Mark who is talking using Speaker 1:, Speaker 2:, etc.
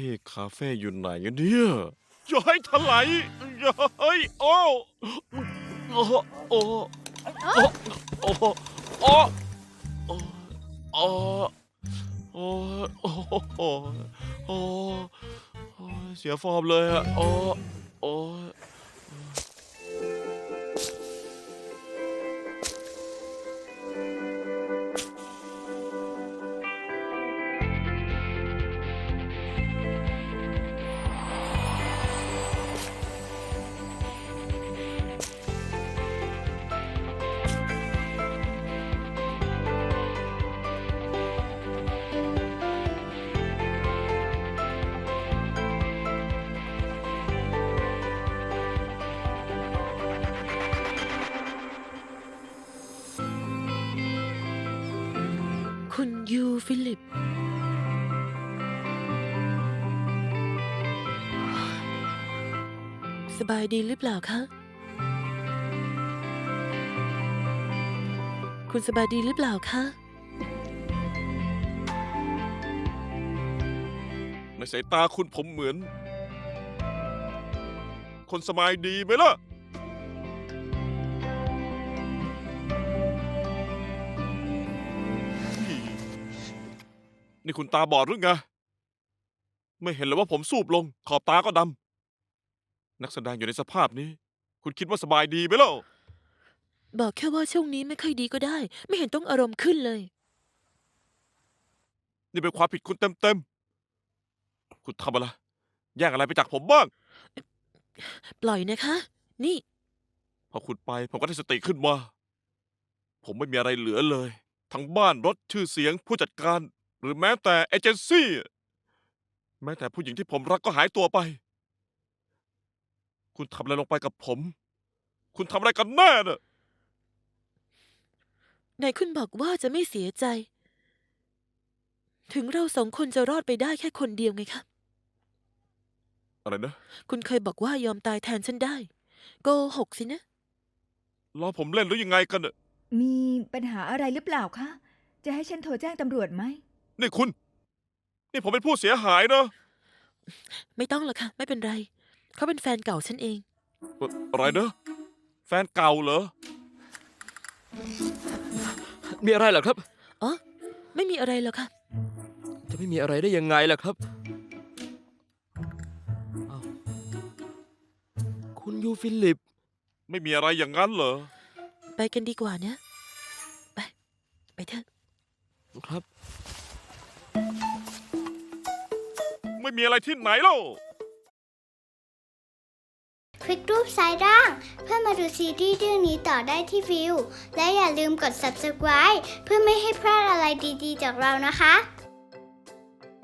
Speaker 1: คาเฟ่อยู่ไหนกันเนี่ยอย่าให้ถลายอย่าให้โอ้โอ้โอ้โอ้โอ้โอ้โอ้โอ้โอ้โอ้โอ้เสียฟอร์มเลยอะโอ้โอ้
Speaker 2: คุณยูฟิลิปสบายดีหรือเปล่าคะคุณสบายดีหรือเปล่าคะ
Speaker 1: ในสายตาคุณผมเหมือนคนสบายดีไหมล่ะนี่คุณตาบอดหรือไงไม่เห็นเลยว่าผมสูบลงขอบตาก็ดำนักแสดงอยู่ในสภาพนี้คุณคิดว่าสบายดีไหมล่ะ
Speaker 2: บอกแค่ว่าช่วงนี้ไม่ค่อยดีก็ได้ไม่เห็นต้องอารมณ์ขึ้นเลย
Speaker 1: นี่เป็นความผิดคุณเต็มๆคุณทำอะไรแย่งอะไรไปจากผมบ้าง
Speaker 2: ปล่อยนะคะ นี่
Speaker 1: พอคุณไปผมก็ได้สติขึ้นมาผมไม่มีอะไรเหลือเลยทั้งบ้านรถชื่อเสียงผู้จัดการ หรือแม้แต่เอเจนซี่แม้แต่ผู้หญิงที่ผมรักก็หายตัวไป คุณทำอะไรลงไปกับผม คุณทำอะไรกันแน่น่ะ
Speaker 2: ไหนคุณบอกว่าจะไม่เสียใจ ถึงเราสองคนจะรอดไปได้แค่คนเดียวไงคะ
Speaker 1: อะไรนะ
Speaker 2: คุณเคยบอกว่ายอมตายแทนฉันได้ โกหกสินะ
Speaker 1: ล้อผมเล่นหรือยังไงกันน่ะ
Speaker 3: มีปัญหาอะไรหรือเปล่าคะ จะให้ฉันโทรแจ้งตำรวจไหม
Speaker 1: นี่คุณ นี่ผมเป็นผู้เสียหายนะ
Speaker 2: ไม่ต้องหรอกค่ะ ไม่เป็นไร เขาเป็นแฟนเก่าฉันเอง
Speaker 1: อะไรนะแฟนเก่าเหรอ
Speaker 4: มีอะไรเหรอครับ
Speaker 2: อ๋อ ไม่มีอะไรหรอกค่ะ
Speaker 4: จะไม่มีอะไรได้ยังไงล่ะครับอ้าวคุณยูฟิลิป
Speaker 1: ไม่มีอะไรอย่างนั้นเหรอ
Speaker 2: ไปกันดีกว่านะ ไป ไปเถอะ
Speaker 4: ครับ
Speaker 1: ไม่มีอะไรที่ไหนเล่า
Speaker 5: คลิกรูปซ้ายล่างเพื่อมาดูซีรีส์เรื่องนี้ต่อได้ที่วิวและอย่าลืมกด subscribe เพื่อไม่ให้พลาดอะไรดีๆจากเรานะคะ